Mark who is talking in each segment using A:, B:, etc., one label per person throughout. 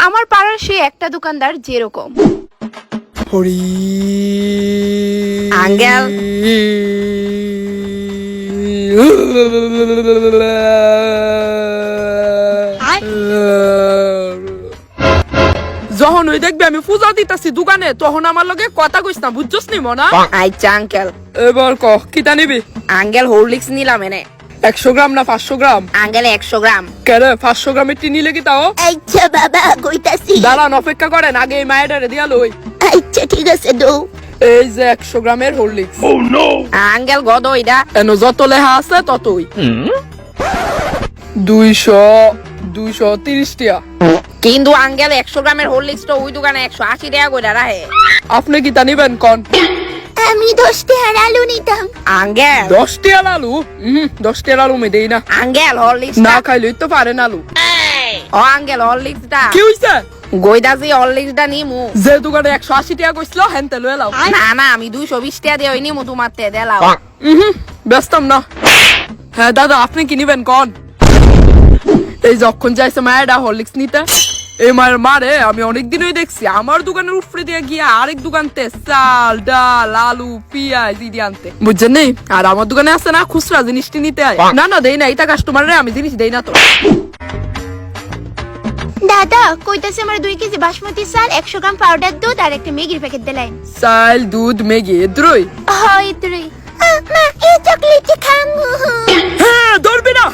A: আমার পাড়ার সেই একটা দোকানদার যেরকম
B: হরি
A: আঙ্কেল
B: যখন ওই দেখবি আমি পূজা দিতেছি দোকানে তখন আমার লগে কথা কইস না বুঝছস নি মনা
A: আচ্ছা আঙ্কেল
B: এবার ক কিতা নিবি
A: আঙ্কেল হরলিক্স নিলাম এনে
B: 100 গ্রাম না 500 গ্রাম
A: আঙ্কেল 100 গ্রাম
B: কেরে 500 গ্রামের টি নিলে কি তাও
C: আচ্ছা বাবা কইতাছি
B: দাঁড়ান অপেক্ষা করেন আগে এই মায়েরারে দিয়া লই
C: আচ্ছা ঠিক আছে দৌ
B: এই যে 100 গ্রামের হরলিক্স
A: আঙ্কেল গদ ওইটা
B: এন যত লেখা আছে ততই 230 টাকা
A: কিন্তু আঙ্কেল 100 গ্রামের হরলিক্স তো ওই দোকানে 180 টাকা কইরা রাখে
B: আপনি কি তা নিবেন কোন
C: আমি 10 টাকার আলু নিতাম
A: আঙ্কেল
B: 10 টাকার আলু 10 টাকার আলু মে দেই না
A: আঙ্কেল হরলিক্স
B: না খাইলেই তো পারেন আলু
A: ও আঙ্কেল হরলিক্সটা
B: কি হইছে
A: গইদাসি হরলিক্সটা নিমু
B: যে দোকানে 180 টাকা কইছিল হেনতে লয়ে লাও
A: না না আমি 220 টাকা দিয়ে নিমু তোমার তে দেলাও
B: ব্যস্তম না হ্যাঁ দাদা আপনি কি নিবেন কোন এই যখন যাইছে মায়েরা হরলিক্স নিতে এই মায়ের মারে আমি অনেকদিন ওই দেখছি আমার দোকানের উপরে দিয়ে গিয়ে আরেক দোকানতে চাল ডাল আলু পিঁয়াজ ইদি আনতে বুঝছেন নি আর আমার দোকানে আছে না খুচরা জিনিসটি নিতে হয় না না দেই না এটা কাস্টমারে আমি জিনিস দেই না তো
C: দাদা কইতাছে আমার 2 কেজি বাসমতি চাল 100 গ্রাম পাউডার দুধ আর একটা ম্যাগির প্যাকেট দিলেন
B: চাল দুধ ম্যাগি দ্রুই
C: হয় তুই মা এই চকলেট খামু
B: হ্যাঁ ধরবি না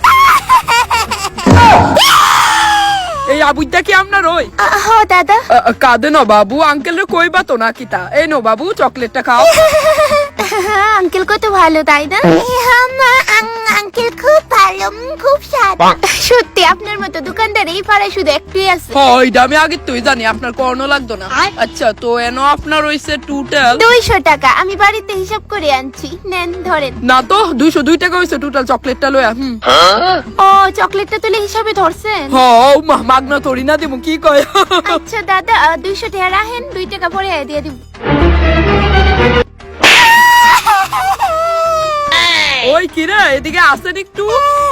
B: এই আবুইটা কি আপনার ওই
C: হ দাদা
B: কাঁদে না বাবু আঙ্কেল রে কইবা তো না কিতা এই নো বাবু চকলেটটা খাও
C: আঙ্কেল কত ভালো তাই না আঙ্কেল খুব ভালো খুব স্বাদ সত্যি আপনার মতো দোকানদার এই পাড়ায় শুধু একটাই আছে
B: ওইটা আমি আগে তুই জানি আপনার কর্ণ লাগতো না আচ্ছা তো এনো আপনার হইছে টোটাল
C: 200 টাকা আমি বাড়িতে হিসাব করে আনছি নেন ধরেন
B: না তো 202 টাকা হইছে টোটাল চকলেটটা লয়া
C: ও চকলেটটা তুলে হিসাবে ধরছেন
B: মাগনা থরি না দিমু কি কয়
C: আচ্ছা দাদা 200 টাকা রাখেন 2 টাকা পরে দিয়ে দিব
B: ওই কি রে এদিকে আসেন একটু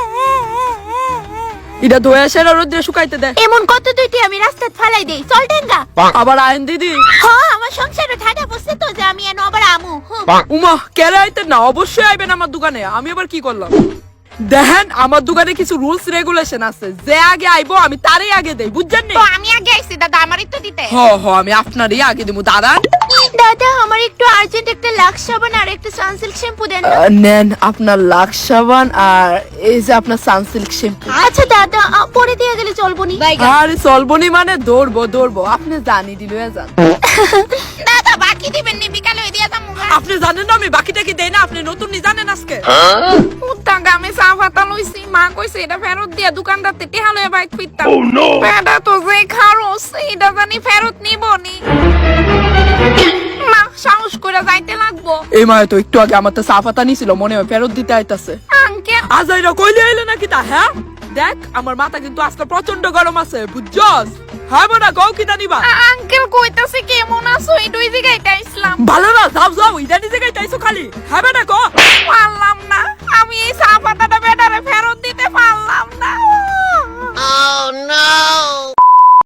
B: এটা ধোয়া সেরা রোদে শুকাইতে দে
C: এমন কত দুইটি আমি রাস্তায় ফালাই দেই চল টেঙ্গা
B: আবার আইন দিদি
C: হ্যাঁ আমার সংসারে ঠাডা বসছে তো যে আমি এনো আবার আমু
B: উমা কেরে আইতে না অবশ্যই আইবেন আমার দোকানে আমি আবার কি করলাম দেখেন আমার দোকানে কিছু রুলস রেগুলেশন আছে যে আগে আইবো আমি তারই আগে দেই বুঝছেন নি
A: তো আমি আগে আইছি দাদা আমারই তো দিতে
B: আমি আপনারই আগে দিমু দাঁড়ান
C: দাদা আমার একটু আর্জেন্ট একটা লাক্স সাবান আর একটা সানসিল্ক শ্যাম্পু দেন না।
B: নেন আপনার লাক্স সাবান আর এই যে আপনার সানসিল্ক শ্যাম্পু
C: আচ্ছা দাদা পরে দিয়ে গেলে চলবো নি
B: আরে চলবনি মানে দৌড়বো আপনি জানি দিল যান
A: দাদা বাকি দিবেন নি বিকালে ওই দিয়া যামু
B: আপনি জানেন না আমি বাকিটা কি দেই না আপনি নতুন নি জানেন আজকে
A: উত্তাঙ্গা আমি চা পাতা লইছি মা কইছে এটা ফেরত দিয়া দোকানদারতে টেহা লইয়া বাইক ফিরতাম বেটা তো যে খারোস এটা জানি ফেরত নিবনি না সাহস করে যাইতে লাগবো
B: এই মায়ে তো একটু আগে আমার তো সাফাতা নিছিল মনে হয় ফেরত দিতে আইতাছে
A: আঙ্কেল
B: আজ আইরা কইলে আইলো নাকি তা হ্যাঁ দেখ আমার মাথা কিন্তু আজকে প্রচন্ড গরম আছে বুঝছস হ্যাঁ বড়া কও কি জানিবা
A: আঙ্কেল কইতাছে কেমন আছো এই দুই জায়গায় আইছিলাম
B: ভালো না যাও ইদানি জায়গায় তাইছো খালি হ্যাঁ বেটা কো
A: আল্লাহ